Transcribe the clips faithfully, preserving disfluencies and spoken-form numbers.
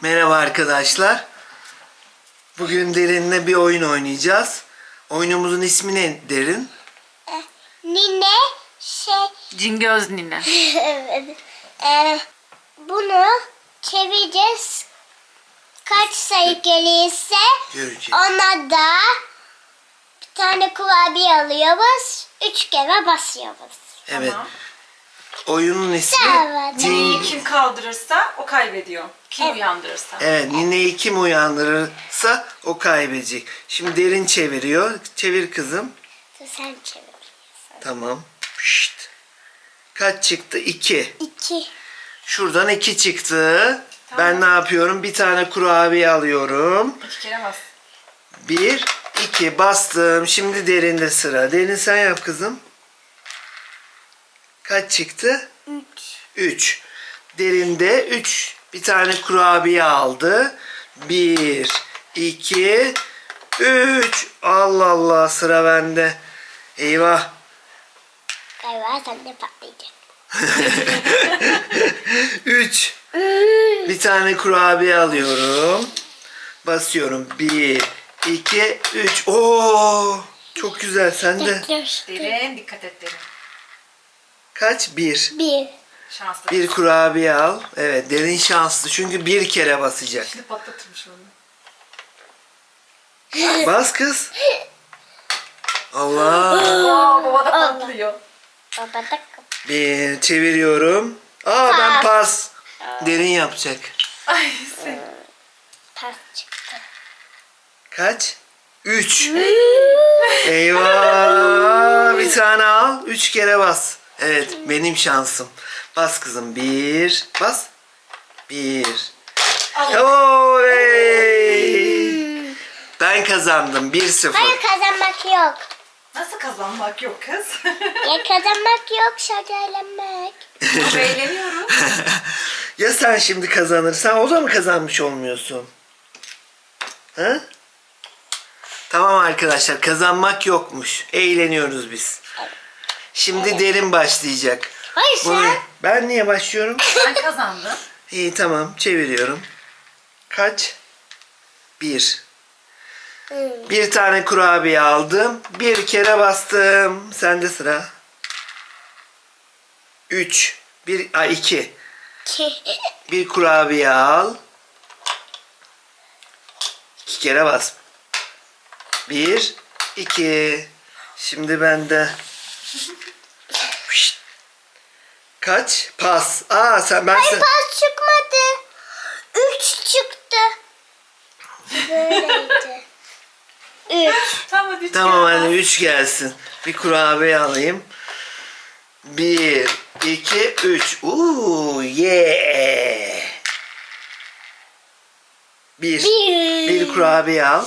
Merhaba arkadaşlar. Bugün Derin'le bir oyun oynayacağız. Oyunumuzun ismi ne Derin? Nine şey Cingöz nine. e, bunu çevireceğiz. Kaç sayı gelirse Göreceğiz. ona da bir tane kurabiye alıyoruz. Üç kere basıyoruz. Evet. Tamam. Oyunun ismi Evet. Nineyi Cing... kim kaldırırsa o kaybediyor. Kim Evet. uyandırırsa. Evet, Nine'yi kim uyandırırsa o kaybedecek. Şimdi Derin çeviriyor. Çevir kızım. Dur sen çevir. Tamam. Pişt. Kaç çıktı? İki. İki. Şuradan iki çıktı. Tamam. Ben ne yapıyorum? Bir tane kurabiye alıyorum. İki kere bas. Bir, iki bastım. Şimdi Derin'de sıra. Derin sen yap kızım. Kaç çıktı? Üç. Üç. Derinde üç. Bir tane kurabiye aldı. Bir, iki, üç. Allah Allah, sıra bende. Eyvah. Galiba sen de patlayacak. Üç. Bir tane kurabiye alıyorum. Basıyorum. Bir, iki, üç. Oo, çok güzel. Sen de. Yaklaştı. Derin dikkat et Derin. Kaç? Bir. Bir. Şanslı. Bir kurabiye al. Evet, Derin şanslı. Çünkü bir kere basacak. Şimdi patlatırmış onu. Bas kız. Allah. Aa, baba da patlıyor. Baba da Bir çeviriyorum. Aa, ben pas. Derin yapacak. Ay sen. pas çıktı. Kaç? Üç. Eyvah. Bir tane al. Üç kere bas. Evet, benim şansım. Bas kızım. Bir. Bas. Bir. Oley. Ben kazandım. Bir sıfır. Hayır kazanmak yok. Nasıl kazanmak yok kız? Ya kazanmak yok, şakalanmak. Çok eğleniyorum. Ya sen şimdi kazanırsan o da mı kazanmış olmuyorsun? Ha? Tamam arkadaşlar, kazanmak yokmuş. Eğleniyoruz biz. Şimdi Derin başlayacak. Hayır Bunu- sen. Ben niye başlıyorum? Ben kazandım. İyi, tamam, çeviriyorum. Kaç? Bir. Hmm. Bir tane kurabiye aldım. Bir kere bastım. Sende sıra. Üç. Bir, ay iki. Bir kurabiye al. İki kere bas. Bir, iki. Şimdi bende. Pişt. Kaç? Pas. Aa, sen ben Hayır sen. pas çıkmadı. Üç çıktı. Böyleydi. Üç. Tamam hadi. üç Tamam, kere hadi bas. üç gelsin. Bir kurabiye alayım. Bir, iki, üç. Uuu, yeah. Bir. Bir. Bir kurabiye al.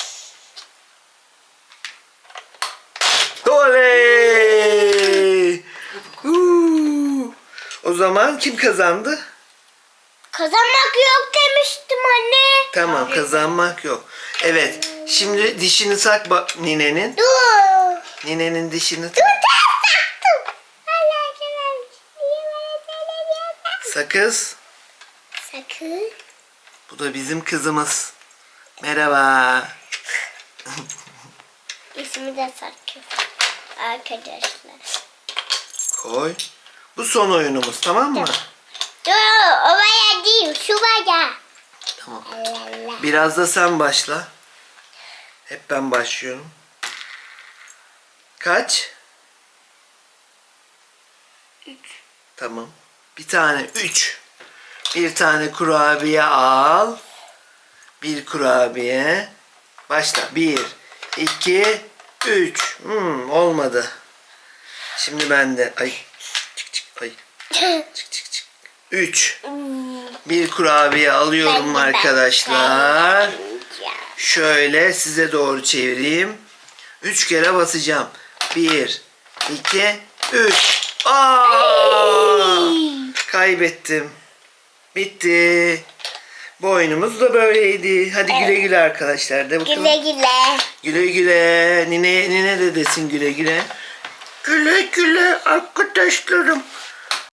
Oley! Uuu. O zaman kim kazandı? Kazanmak yok demiştim anne. Tamam, kazanmak yok. Evet. Şimdi dişini sak bak ninenin. Dur. Ninenin dişini Dur ters taktım. Hala gelmemiş. Niye bana söylemiyorsun? sakız. Sakın. Bu da bizim kızımız. Merhaba. İsmi de Sakın. Arkadaşlar. Koy. Bu son oyunumuz, tamam mı? Dur oraya değil şu baya. Tamam. Allah Allah. Biraz da sen başla. Hep ben başlıyorum. Kaç? Üç. Tamam. Bir tane üç. Bir tane kurabiye al. Bir kurabiye. Başla. Bir, iki, üç. Hmm, olmadı. Şimdi ben de. Ay. Çık çık. Ay. Çık çık çık. Üç. Bir kurabiye alıyorum Ben de, ben de. arkadaşlar. Ya. Şöyle size doğru çevireyim. Üç kere basacağım. Bir, iki, üç. Aa! Kaybettim. Bitti. Bu oyunumuz da böyleydi. Hadi güle güle arkadaşlar. De bakalım. Güle güle. Güle güle. Nine, nine de desin güle güle. Güle güle arkadaşlarım.